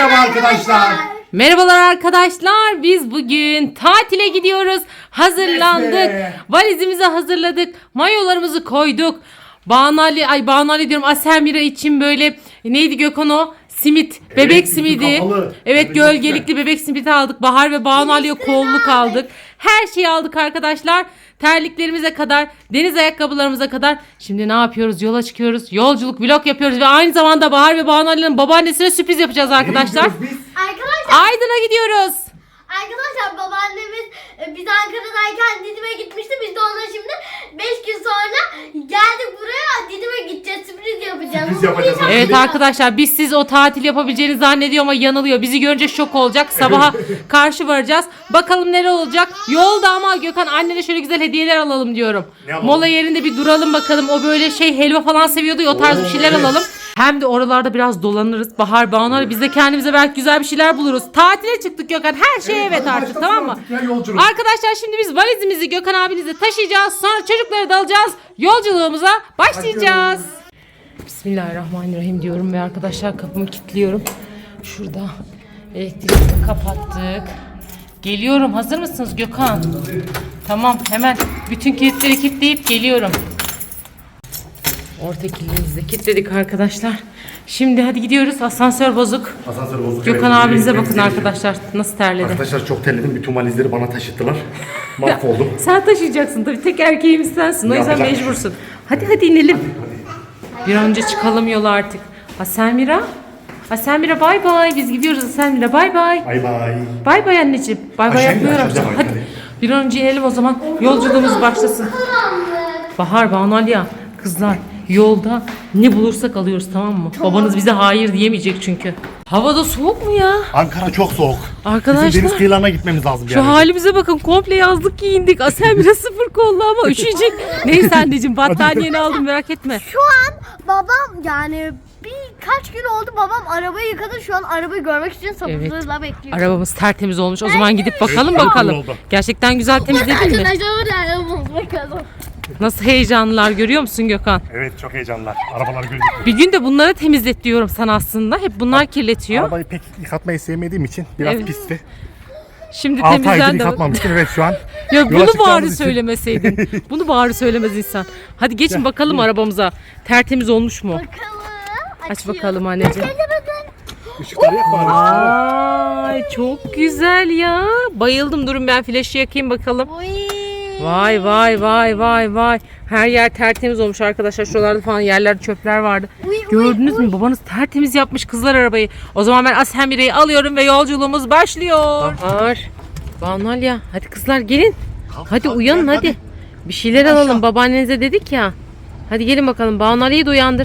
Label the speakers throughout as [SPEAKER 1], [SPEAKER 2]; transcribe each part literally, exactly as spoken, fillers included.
[SPEAKER 1] Merhaba arkadaşlar.
[SPEAKER 2] Merhabalar arkadaşlar. Biz bugün tatile gidiyoruz. Hazırlandık.
[SPEAKER 1] Resmi.
[SPEAKER 2] Valizimizi hazırladık. Mayolarımızı koyduk. Banu Ali, ay Banu Ali diyorum. Aselmira için böyle neydi Gökhan o? Simit, bebek
[SPEAKER 1] Evet,
[SPEAKER 2] simidi.
[SPEAKER 1] kapalı.
[SPEAKER 2] Evet,
[SPEAKER 1] Evet,
[SPEAKER 2] gölgelikli bebek simidi aldık. Bahar ve Banu Ali'ye kolluk aldık. Her şeyi aldık arkadaşlar. Terliklerimize kadar, deniz ayakkabılarımıza kadar. Şimdi ne yapıyoruz? Yola çıkıyoruz. Yolculuk vlog yapıyoruz ve aynı zamanda Bahar ve Banu Ali'nin babaannesine sürpriz yapacağız arkadaşlar.
[SPEAKER 3] Arkadaşlar,
[SPEAKER 2] Aydın'a gidiyoruz.
[SPEAKER 3] arkadaşlar babaannemiz e, biz Ankara'dayken Didim'e gitmişti. Biz de ona şimdi beş gün sonra geldik buraya. Didim'e gideceğiz. Sürpriz yapacağız.
[SPEAKER 1] Sürpriz yapacağız.
[SPEAKER 2] Evet arkadaşlar, biz siz o tatil yapabileceğini zannediyor ama yanılıyor. Bizi görünce şok olacak. Sabaha karşı varacağız. Bakalım neler olacak. Yolda ama Gökhan annene şöyle güzel hediyeler alalım diyorum. Mola yerinde bir duralım bakalım. O böyle şey helva falan seviyordu ya, o tarz bir şeyler
[SPEAKER 1] evet.
[SPEAKER 2] alalım. Hem de oralarda biraz dolanırız. Bahar, Banu Ali, biz de kendimize belki güzel bir şeyler buluruz. Tatile çıktık Gökhan. Her şey evet,
[SPEAKER 1] hadi
[SPEAKER 2] artık,
[SPEAKER 1] başlasın
[SPEAKER 2] tamam mı?
[SPEAKER 1] artık ya, yolculuk.
[SPEAKER 2] Arkadaşlar şimdi biz valizimizi Gökhan abinize taşıyacağız. Sonra çocukları da alacağız. Yolculuğumuza başlayacağız. Bismillahirrahmanirrahim diyorum ve arkadaşlar kapımı kilitliyorum. Şurada elektriği kapattık. Geliyorum. Hazır mısınız Gökhan? Tamam, hemen bütün kilitleri kilitleyip geliyorum. Orta kilidimizi de kilitledik arkadaşlar. Şimdi hadi gidiyoruz. Asansör bozuk.
[SPEAKER 1] Asansör bozuk.
[SPEAKER 2] Gökhan
[SPEAKER 1] Evet,
[SPEAKER 2] abinize
[SPEAKER 1] evet,
[SPEAKER 2] bakın
[SPEAKER 1] evet.
[SPEAKER 2] arkadaşlar. Nasıl terledi.
[SPEAKER 1] Arkadaşlar çok terledim. Bütün valizleri bana taşıttılar. Mahvoldum.
[SPEAKER 2] Sen taşıyacaksın tabii. Tek erkeğimiz sensin. O yüzden
[SPEAKER 1] Yapacak bir şey.
[SPEAKER 2] mecbursun. Hadi hadi inelim. Bir an önce çıkalım yola artık. Aselmira. Aselmira bay bay. Biz gidiyoruz Aselmira bay bay.
[SPEAKER 1] Bay bay.
[SPEAKER 2] Bay bay anneciğim. Bay bay
[SPEAKER 1] Aşağı in,
[SPEAKER 2] yapmıyorum.
[SPEAKER 1] aşağıda bay,
[SPEAKER 2] Hadi.
[SPEAKER 1] hadi.
[SPEAKER 2] Bir an önce inelim o zaman. Yolculuğumuz başlasın. Bahar, Banu Ali ya. Kızlar yolda ne bulursak alıyoruz, tamam mı? Babanız bize hayır diyemeyecek çünkü. Havada soğuk mu ya?
[SPEAKER 1] Ankara çok soğuk.
[SPEAKER 2] Arkadaşlar,
[SPEAKER 1] Bizim deniz kıyılarına gitmemiz lazım.
[SPEAKER 2] Şu halimize bakın, komple yazlık giyindik. Aselmira sıfır kollu ama üşüyecek. Neyse anneciğim, battaniyeni aldım, merak etme.
[SPEAKER 3] Şu an babam yani birkaç gün oldu babam arabayı yıkadı. Şu an arabayı görmek için sabırsızlıkla bekliyor.
[SPEAKER 2] Arabamız tertemiz olmuş. O zaman gidip bakalım
[SPEAKER 1] Evet,
[SPEAKER 2] bakalım.
[SPEAKER 1] oldu.
[SPEAKER 2] Gerçekten güzel temizledin mi?
[SPEAKER 3] Arkadaşlar orada arabamız bakalım.
[SPEAKER 2] Nasıl heyecanlılar görüyor musun Gökhan?
[SPEAKER 1] Evet, çok heyecanlılar. Arabalar gözüküyor.
[SPEAKER 2] Bir gün de bunları temizlet diyorum sana aslında. Hep bunlar kirletiyor.
[SPEAKER 1] Arabayı pek yıkatmayı sevmediğim için biraz
[SPEAKER 2] Evet.
[SPEAKER 1] pisti.
[SPEAKER 2] Şimdi
[SPEAKER 1] altı aydır
[SPEAKER 2] temizlen de.
[SPEAKER 1] yıkatmamıştım. Evet, şu an.
[SPEAKER 2] Ya
[SPEAKER 1] yola
[SPEAKER 2] bunu
[SPEAKER 1] çıkacağımız
[SPEAKER 2] bari
[SPEAKER 1] için-
[SPEAKER 2] söylemeseydin. Bunu bari söylemez insan. Hadi geçin bakalım arabamıza. Tertemiz olmuş mu?
[SPEAKER 3] Bakalım.
[SPEAKER 2] Aç
[SPEAKER 3] Açıyor.
[SPEAKER 2] bakalım anneciğim.
[SPEAKER 1] Işıkları yak bari.
[SPEAKER 2] Ay çok güzel ya. Bayıldım. Durun ben flaşı yakayım bakalım.
[SPEAKER 3] Oy.
[SPEAKER 2] Vay vay vay vay vay. Her yer tertemiz olmuş arkadaşlar. Şuralarda falan yerlerde çöpler vardı.
[SPEAKER 3] Uy, uy,
[SPEAKER 2] Gördünüz mü? Babanız tertemiz yapmış kızlar arabayı. O zaman ben Aselmira'yı alıyorum ve yolculuğumuz başlıyor. Bahar, Banu Ali, hadi kızlar gelin. Hadi
[SPEAKER 1] kalk,
[SPEAKER 2] uyanın
[SPEAKER 1] gel,
[SPEAKER 2] hadi.
[SPEAKER 1] hadi.
[SPEAKER 2] Bir şeyler
[SPEAKER 1] Aşağı.
[SPEAKER 2] alalım. Babaannenize dedik ya. Hadi gelin bakalım. Banu Ali'yi de uyandır.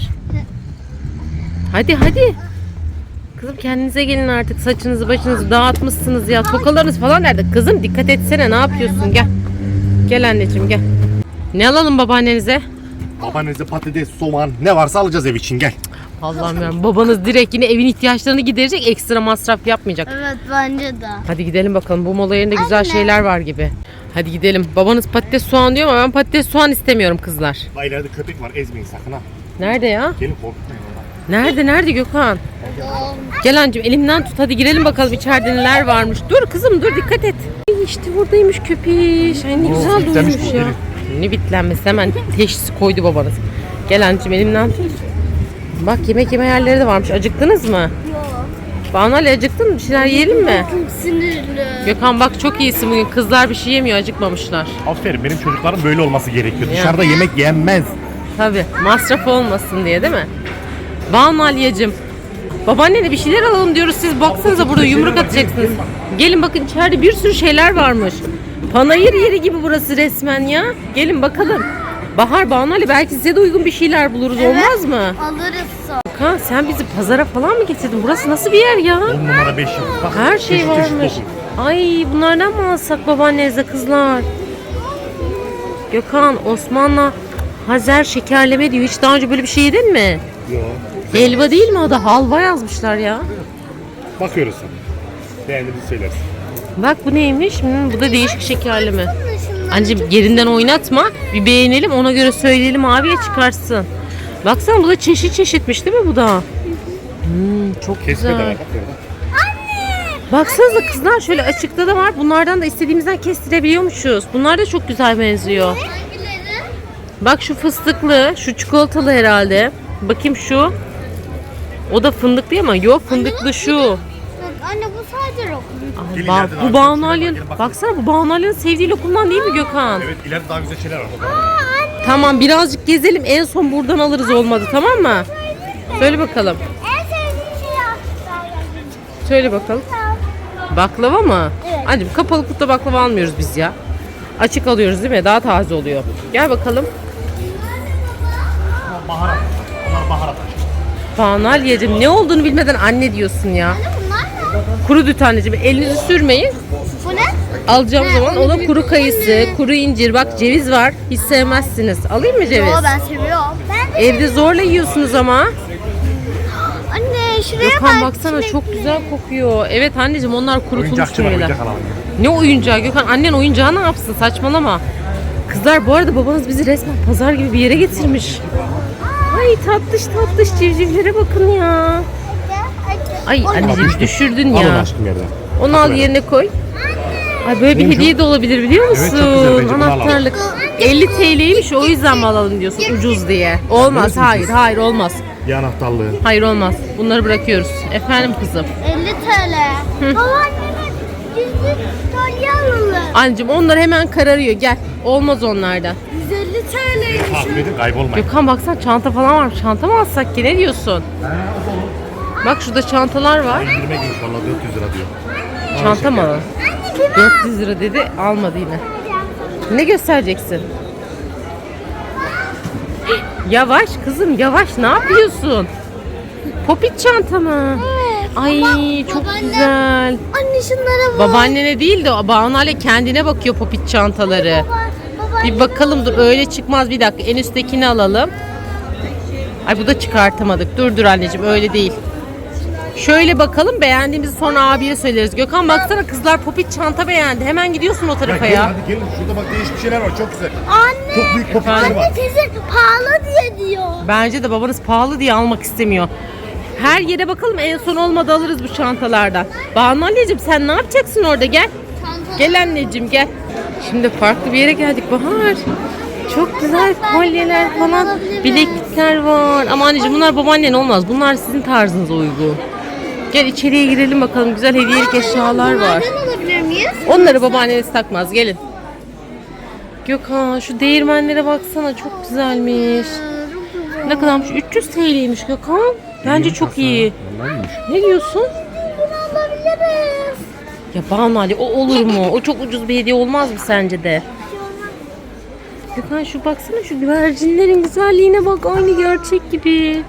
[SPEAKER 2] Hadi hadi. Kızım kendinize gelin artık. Saçınızı başınızı dağıtmışsınız ya. Tokalarınız falan nerede? Kızım dikkat etsene, ne yapıyorsun? Gel. Gel anneciğim gel. Ne alalım babaannenize?
[SPEAKER 1] Babanızda patates, soğan ne varsa alacağız ev için, gel.
[SPEAKER 2] Allah'ım ya, babanız direkt yine evin ihtiyaçlarını giderecek, ekstra masraf yapmayacak.
[SPEAKER 3] Evet bence de.
[SPEAKER 2] Hadi gidelim bakalım, bu mola yerinde güzel
[SPEAKER 3] Anne.
[SPEAKER 2] şeyler var gibi. Hadi gidelim. Babanız patates soğan diyor ama ben patates soğan istemiyorum kızlar.
[SPEAKER 1] Bak ileride köpek var, ezmeyin sakın ha.
[SPEAKER 2] Nerede ya?
[SPEAKER 1] Gelin korkutmayın oradan.
[SPEAKER 2] Nerede nerede Gökhan? Gel anneciğim elimden tut, hadi girelim bakalım içeride neler varmış. Dur kızım dur, dikkat et. Ay, İşte buradaymış köpeş. Ay ne
[SPEAKER 1] Oo,
[SPEAKER 2] güzel
[SPEAKER 1] bitlenmiş
[SPEAKER 2] durmuş
[SPEAKER 1] bu,
[SPEAKER 2] ya.
[SPEAKER 1] gelin.
[SPEAKER 2] Ne bitlenmesi, hemen teşhisi koydu babanız. Gel anneciğim elimden tut. Bak yemek yeme yerleri de varmış. Acıktınız mı?
[SPEAKER 3] Yok.
[SPEAKER 2] Banu Ali acıktın mı? Bir şeyler yiyelim mi?
[SPEAKER 3] Çok sinirli.
[SPEAKER 2] Gökhan bak çok iyisin bugün. Kızlar bir şey yemiyor, acıkmamışlar.
[SPEAKER 1] Aferin, benim çocuklarım böyle olması gerekiyor.
[SPEAKER 2] Ya.
[SPEAKER 1] Dışarıda yemek yenmez.
[SPEAKER 2] Tabii masraf olmasın diye değil mi? Banu Aliye'cim, babaannene bir şeyler alalım diyoruz. Siz baksanıza burada yumruk atacaksınız. Gelin bakın içeride bir sürü şeyler varmış. Panayır yeri gibi burası resmen ya. Gelin bakalım. Bahar, Banu Ali, belki size de uygun bir şeyler buluruz,
[SPEAKER 3] Evet.
[SPEAKER 2] olmaz mı?
[SPEAKER 3] Alırız sonra.
[SPEAKER 2] Gökhan sen bizi pazara falan mı getirdin? Burası nasıl bir yer ya?
[SPEAKER 1] on numara beş yıl. Bak,
[SPEAKER 2] Her şey
[SPEAKER 1] çeşit çeşit
[SPEAKER 2] varmış.
[SPEAKER 1] dokun.
[SPEAKER 2] Ay bunlardan mı alsak babaannenize kızlar? Gökhan, Osman'la Hazer şekerleme diyor. Hiç daha önce böyle bir şey yedin mi?
[SPEAKER 1] Yok.
[SPEAKER 2] Helva değil mi o da? Halva yazmışlar ya.
[SPEAKER 1] Bakıyoruz. Beğendiğimizi söyleriz.
[SPEAKER 2] Bak bu neymiş? Hmm, bu da değişik şekerleme. Anneciğim yerinden oynatma. Bir beğenelim, ona göre söyleyelim, abiye çıkarsın. Baksana bu da çeşit çeşitmiş değil mi bu da? Hmm, çok
[SPEAKER 1] Kesme de
[SPEAKER 2] güzel.
[SPEAKER 1] var. Bak orada.
[SPEAKER 2] Baksanıza kızlar, şöyle açıkta da var. Bunlardan da istediğimizden kestirebiliyormuşuz. Bunlar da çok güzel benziyor.
[SPEAKER 3] Hangileri?
[SPEAKER 2] Bak şu fıstıklı, şu çikolatalı herhalde. Bakayım şu. O da fındıklı ama yok, fındıklı şu.
[SPEAKER 3] Anne bu sadece lokum.
[SPEAKER 2] Ay,
[SPEAKER 1] Gelin
[SPEAKER 2] ba-
[SPEAKER 1] ileride daha
[SPEAKER 2] bu
[SPEAKER 1] güzel
[SPEAKER 2] Banu
[SPEAKER 1] şeyler var,
[SPEAKER 2] Ali'nin,
[SPEAKER 1] gelin bakın.
[SPEAKER 2] baksana bu Banu Ali'nin sevdiği lokumdan değil mi Gökhan?
[SPEAKER 1] Evet, ileride daha güzel şeyler var.
[SPEAKER 2] Tamam, birazcık gezelim, en son buradan alırız olmadı, tamam mı? Söyle bakalım.
[SPEAKER 3] En sevdiğim şey aslında.
[SPEAKER 2] Söyle bakalım. Baklava mı?
[SPEAKER 3] Evet.
[SPEAKER 2] Anneciğim kapalı kutuda baklava almıyoruz biz ya. Açık alıyoruz değil mi? Daha taze oluyor. Gel bakalım.
[SPEAKER 1] Baharat. Onlar baharat.
[SPEAKER 2] Banu Aliye'cim, ne olduğunu bilmeden anne diyorsun ya.
[SPEAKER 3] Anne bunlar ne?
[SPEAKER 2] Kuru düt anneciğim, elinizi sürmeyin.
[SPEAKER 3] Bu ne?
[SPEAKER 2] Alacağım
[SPEAKER 3] Ne,
[SPEAKER 2] zaman
[SPEAKER 3] onu
[SPEAKER 2] o da
[SPEAKER 3] bil-
[SPEAKER 2] kuru
[SPEAKER 3] bu
[SPEAKER 2] kayısı,
[SPEAKER 3] ne?
[SPEAKER 2] kuru incir, bak ceviz var. Hiç sevmezsiniz. Alayım mı ceviz?
[SPEAKER 3] Yo ben seviyorum. Ben de
[SPEAKER 2] Evde zorla yiyorsunuz ama.
[SPEAKER 3] Anne şuraya
[SPEAKER 2] Gökhan
[SPEAKER 3] bak.
[SPEAKER 2] baksana,
[SPEAKER 3] çilek.
[SPEAKER 2] çok güzel kokuyor. Evet anneciğim, onlar kurutulmuş
[SPEAKER 1] Oyuncakçı var,
[SPEAKER 2] şeyler.
[SPEAKER 1] oyuncak alalım.
[SPEAKER 2] Ne oyuncağı Gökhan? Annen oyuncağı ne yapsın? Saçmalama. Kızlar, bu arada babanız bizi resmen pazar gibi bir yere getirmiş. Ay tatlış tatlış civcivlere bakın ya. Ay anneciğim düşürdün
[SPEAKER 1] Alın
[SPEAKER 2] ya.
[SPEAKER 1] aşkım yerden.
[SPEAKER 2] Onu al yerine koy. Ay böyle bir
[SPEAKER 1] Neymiş
[SPEAKER 2] hediye de olabilir biliyor musun?
[SPEAKER 1] Evet, çok güzel, bence bunu alalım.
[SPEAKER 2] Anahtarlık. elli T L'ymiş, o yüzden mi alalım diyorsun ucuz diye. Olmaz,
[SPEAKER 1] Neresi
[SPEAKER 2] hayır
[SPEAKER 1] ucuz?
[SPEAKER 2] hayır olmaz.
[SPEAKER 1] Bir anahtarlığı.
[SPEAKER 2] Hayır olmaz. Bunları bırakıyoruz. Efendim kızım.
[SPEAKER 3] elli T L. Babaannemin yüzlü kolye alalım.
[SPEAKER 2] Anneciğim onlar hemen kararıyor, gel. Olmaz onlardan.
[SPEAKER 3] yüz elli T L'ymiş.
[SPEAKER 1] Takip edin, kaybolmayın.
[SPEAKER 2] Gökhan baksana, çanta falan var. Çanta mı alsak ki, ne diyorsun? Bak şurada çantalar var.
[SPEAKER 1] İndirime girmiş valla, dört yüz lira diyor.
[SPEAKER 2] Çanta mı alalım? dört yüz lira dedi, almadı yine. Ne göstereceksin? Yavaş kızım, yavaş, ne yapıyorsun? Popit çanta mı? Ay çok
[SPEAKER 3] babaanne-
[SPEAKER 2] güzel.
[SPEAKER 3] Anne şunlara bak.
[SPEAKER 2] Babaannene değil de Banu Ali kendine bakıyor popit çantaları.
[SPEAKER 3] Baba,
[SPEAKER 2] Bir bakalım, dur öyle çıkmaz, bir dakika en üsttekini alalım. Ay bu da çıkartamadık. Dur dur anneciğim, öyle değil. Şöyle bakalım, beğendiğimizi sonra abiye söyleriz. Gökhan baksana, kızlar popit çanta beğendi. Hemen gidiyorsun o
[SPEAKER 1] Ya
[SPEAKER 2] tarafa
[SPEAKER 1] gelin
[SPEAKER 2] ya.
[SPEAKER 1] hadi gelin, şurada bak değişik şeyler var, çok güzel.
[SPEAKER 3] Anne.
[SPEAKER 1] Çok büyük popitler
[SPEAKER 2] Efendim?
[SPEAKER 1] var.
[SPEAKER 3] Anne teyze pahalı diye diyor.
[SPEAKER 2] Bence de babanız pahalı diye almak istemiyor. Her yere bakalım, en son olmadı alırız bu çantalardan. Banu Ali'cim sen ne yapacaksın orada, gel. Gel anneciğim gel. Şimdi farklı bir yere geldik Bahar. Çok güzel kolyeler falan, bileklikler var. Ama anneciğim bunlar babaannen olmaz. Bunlar sizin tarzınıza uygun. Gel içeriye girelim bakalım, güzel hediyelik eşyalar var.
[SPEAKER 3] Bunlardan alabilir miyiz?
[SPEAKER 2] Onları babaanneniz takmaz, gelin. Gökhan şu değirmenlere baksana, çok güzelmiş. Ne kadarmış? üç yüz T L'ymiş Gökhan. Bence çok iyi.
[SPEAKER 1] Vallahi iyiymiş.
[SPEAKER 2] Ne diyorsun?
[SPEAKER 3] Bunu alabiliriz.
[SPEAKER 2] Ya Banu Ali, o olur mu? O çok ucuz bir hediye olmaz mı sence de? Gökhan şu baksana, şu güvercinlerin güzelliğine bak, aynı gerçek gibi.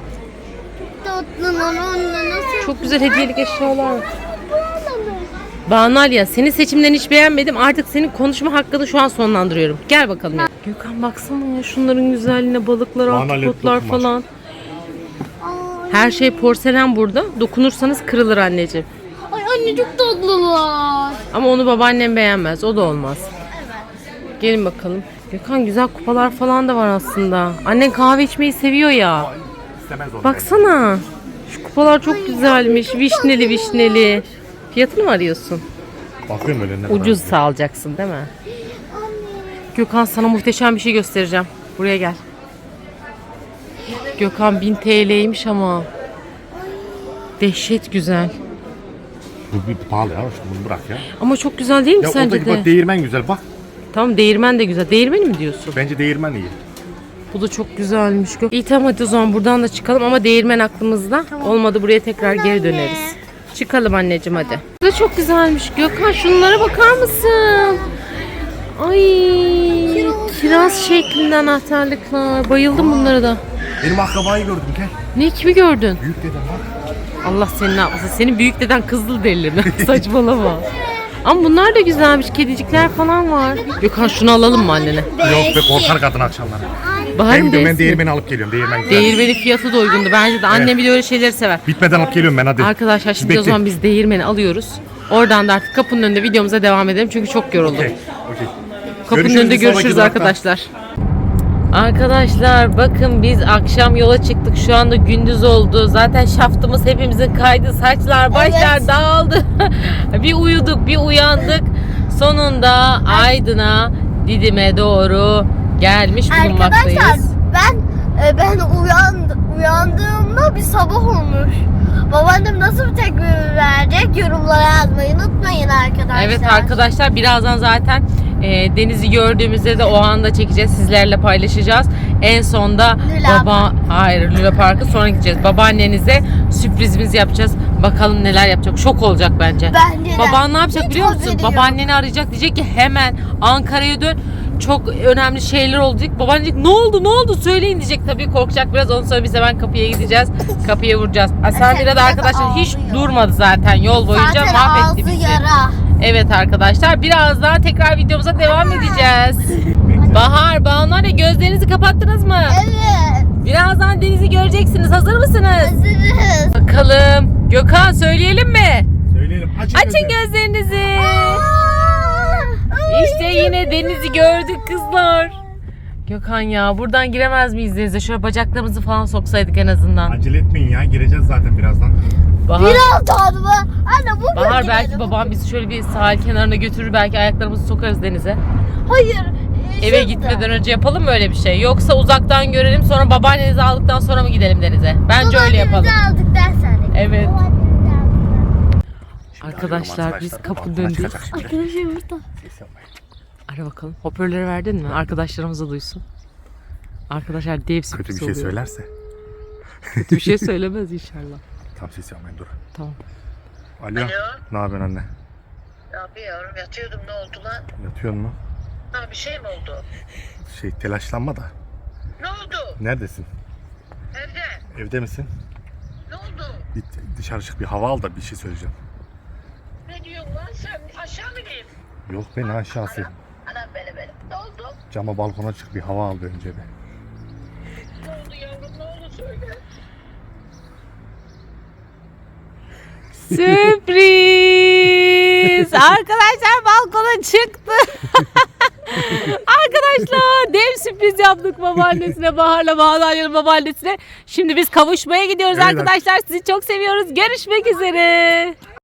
[SPEAKER 3] Tatlı lan onunla nasıl?
[SPEAKER 2] Çok güzel hediyelik eşyalar var.
[SPEAKER 3] Bu alalım.
[SPEAKER 2] Banu Ali ya, senin seçimlerini hiç beğenmedim. Artık senin konuşma hakkını şu an sonlandırıyorum. Gel bakalım ya. Gökhan baksana ya, şunların güzelliğine, balıklar,
[SPEAKER 1] Banu Ali
[SPEAKER 2] ahtapotlar
[SPEAKER 1] dokunmaz.
[SPEAKER 2] falan.
[SPEAKER 3] Ay,
[SPEAKER 2] Her şey porselen burada. Dokunursanız kırılır anneciğim.
[SPEAKER 3] ay anne çok tatlılar.
[SPEAKER 2] Ama onu babaannem beğenmez. O da olmaz. Gelin bakalım. Gökhan güzel kupalar falan da var aslında. Annen kahve içmeyi seviyor ya.
[SPEAKER 1] İstemez onu.
[SPEAKER 2] Baksana. Şu kupalar çok güzelmiş.
[SPEAKER 3] çok
[SPEAKER 2] Vişneli
[SPEAKER 3] tatlılar.
[SPEAKER 2] vişneli. Fiyatını mı arıyorsun?
[SPEAKER 1] Bakıyorum öyle ne kadar.
[SPEAKER 2] Ucuz alacaksın değil mi?
[SPEAKER 3] Anne.
[SPEAKER 2] Gökhan sana muhteşem bir şey göstereceğim. Buraya gel. Gökhan bin T L'ymiş ama. Dehşet güzel.
[SPEAKER 1] Bu bir pahalı ya, işte bunu bırak ya.
[SPEAKER 2] Ama çok güzel değil mi
[SPEAKER 1] Ya
[SPEAKER 2] sence
[SPEAKER 1] oradaki
[SPEAKER 2] de?
[SPEAKER 1] bak değirmen güzel bak.
[SPEAKER 2] Tamam, değirmen de güzel. Değirmeni mi diyorsun?
[SPEAKER 1] Bence değirmen iyi.
[SPEAKER 2] Bu da çok güzelmiş. Gök- İyi tamam, hadi o zaman buradan da çıkalım ama değirmen aklımızda. Olmadı buraya tekrar geri döneriz. Çıkalım anneciğim hadi. Bu da çok güzelmiş. Gökhan şunlara bakar mısın? Ay, kiraz şeklinde anahtarlıklar. Bayıldım bunlara da.
[SPEAKER 1] Benim akrabayı gördüm gel.
[SPEAKER 2] Ne, kimi gördün?
[SPEAKER 1] Büyük dedem bak.
[SPEAKER 2] Allah seni ne yapmasın. Senin büyük deden kızıl derili. Saçmalama. Ama bunlar da güzelmiş. Kedicikler falan var. Gökhan şunu alalım mı annene?
[SPEAKER 1] Yok be, korkar kadın akşamları.
[SPEAKER 2] Bahar
[SPEAKER 1] Ben
[SPEAKER 2] mı
[SPEAKER 1] gidiyorum, ben
[SPEAKER 2] değilsin?
[SPEAKER 1] değirmeni alıp geliyorum. Değirmen güzel.
[SPEAKER 2] Değirmenin fiyatı da uygundu. Bence de annem bile öyle şeyleri sever.
[SPEAKER 1] Bitmeden alıp geliyorum ben hadi.
[SPEAKER 2] Arkadaşlar şimdi
[SPEAKER 1] Bekle.
[SPEAKER 2] o zaman biz değirmeni alıyoruz. Oradan da artık kapının önünde videomuza devam edelim. Çünkü çok yoruldum.
[SPEAKER 1] Okey, okey.
[SPEAKER 2] Kapının
[SPEAKER 1] Görüşürüz
[SPEAKER 2] önünde
[SPEAKER 1] bir sonraki
[SPEAKER 2] görüşürüz
[SPEAKER 1] durakta.
[SPEAKER 2] arkadaşlar. Arkadaşlar bakın, biz akşam yola çıktık. Şu anda gündüz oldu. Zaten şaftımız hepimizin kaydı. Saçlar, başlar
[SPEAKER 3] Evet.
[SPEAKER 2] dağıldı. bir uyuduk, bir uyandık. Sonunda Aydın'a, Didim'e doğru gelmiş bulunmaktayız.
[SPEAKER 3] Arkadaşlar ben e, ben uyandım, uyandığımda bir sabah olmuş. Babaannem nasıl bir tepki verecek yorumlara yazmayı unutmayın arkadaşlar.
[SPEAKER 2] Evet arkadaşlar, birazdan zaten e, denizi gördüğümüzde de o anda çekeceğiz, sizlerle paylaşacağız. En sonda
[SPEAKER 3] Luna
[SPEAKER 2] baba hayır Luna Park'a sonra gideceğiz. Babaannenize sürprizimiz yapacağız. Bakalım neler yapacak. Şok olacak bence.
[SPEAKER 3] Bence de.
[SPEAKER 2] Baban ne yapacak
[SPEAKER 3] Hiç
[SPEAKER 2] biliyor musun?
[SPEAKER 3] haberi yok.
[SPEAKER 2] Babaanneni arayacak, diyecek ki hemen Ankara'ya dön. Çok önemli şeyler oldu diyecek. Baban diyecek ne oldu ne oldu söyleyin diyecek. Tabii korkacak biraz, ondan sonra biz hemen kapıya gideceğiz. Kapıya vuracağız. Asamira da arkadaşlar hiç
[SPEAKER 3] ağlıyor.
[SPEAKER 2] durmadı zaten yol boyunca,
[SPEAKER 3] Zaten
[SPEAKER 2] mahvetti
[SPEAKER 3] ağzı
[SPEAKER 2] bizi.
[SPEAKER 3] yara.
[SPEAKER 2] Evet arkadaşlar, birazdan tekrar videomuza devam edeceğiz. Bahar, Banu, gözlerinizi kapattınız mı?
[SPEAKER 3] Evet.
[SPEAKER 2] Birazdan denizi göreceksiniz. Hazır mısınız?
[SPEAKER 3] Hazırız.
[SPEAKER 2] Bakalım. Gökhan söyleyelim mi?
[SPEAKER 1] Söyleyelim. Açın,
[SPEAKER 2] Açın gözlerinizi.
[SPEAKER 3] Aa,
[SPEAKER 2] İşte yine denizi gördük kızlar. Gökhan ya, buradan giremez miyiz denize? Şöyle bacaklarımızı falan soksaydık en azından.
[SPEAKER 1] Acele etmeyin ya. Gireceğiz zaten birazdan.
[SPEAKER 2] Bahar,
[SPEAKER 3] Biraz daha mı? Anne bu
[SPEAKER 2] Bahar
[SPEAKER 3] bölgede
[SPEAKER 2] belki
[SPEAKER 3] mi?
[SPEAKER 2] babam bizi şöyle bir sahil kenarına götürür. Belki ayaklarımızı sokarız denize.
[SPEAKER 3] Hayır. e,
[SPEAKER 2] Eve
[SPEAKER 3] şurada.
[SPEAKER 2] gitmeden önce yapalım mı öyle bir şey? Yoksa uzaktan görelim sonra babaannenizi aldıktan sonra mı gidelim denize? Bence öyle yapalım.
[SPEAKER 3] Babaannemizi aldık dersen.
[SPEAKER 2] Evet.
[SPEAKER 3] Babaannemizi aldık.
[SPEAKER 2] Arkadaşlar biz kapının önündeyiz.
[SPEAKER 3] Arkadaşlar burada.
[SPEAKER 2] Ara bakalım. Hoparlörü verdin mi? Arkadaşlarımız da duysun. Arkadaşlar dev sürpriz
[SPEAKER 1] Kötü bir şey
[SPEAKER 2] oluyor.
[SPEAKER 1] söylerse.
[SPEAKER 2] Kötü bir şey söylemez inşallah.
[SPEAKER 1] Tam ses yapmayın, dur.
[SPEAKER 2] Tamam.
[SPEAKER 1] Alo.
[SPEAKER 4] Alo.
[SPEAKER 1] Ne yapıyorsun anne?
[SPEAKER 4] Ne yapıyorum? Yatıyordum, ne oldu lan?
[SPEAKER 1] Yatıyorsun mu?
[SPEAKER 4] Ha, bir şey mi oldu?
[SPEAKER 1] Şey, telaşlanma da.
[SPEAKER 4] Ne oldu?
[SPEAKER 1] Neredesin?
[SPEAKER 4] Evde.
[SPEAKER 1] Evde misin?
[SPEAKER 4] Ne oldu?
[SPEAKER 1] Git dışarı çık, bir hava al da bir şey söyleyeceğim.
[SPEAKER 4] Ne diyorsun lan sen? Aşağı mı ineyim?
[SPEAKER 1] Yok be, ne aşağısı.
[SPEAKER 4] Anam beni beni. Ne oldu?
[SPEAKER 1] Cama balkona çık, bir hava al bir önce bir.
[SPEAKER 4] Ne oldu yavrum? Ne oldu söyle.
[SPEAKER 2] Sürpriz! Arkadaşlar balkona çıktı. Arkadaşlar dev sürpriz yaptık babaannesine, Bahar'la Bahar'la babaannesine. Şimdi biz kavuşmaya gidiyoruz
[SPEAKER 1] Evet.
[SPEAKER 2] arkadaşlar. Sizi çok seviyoruz. Görüşmek üzere.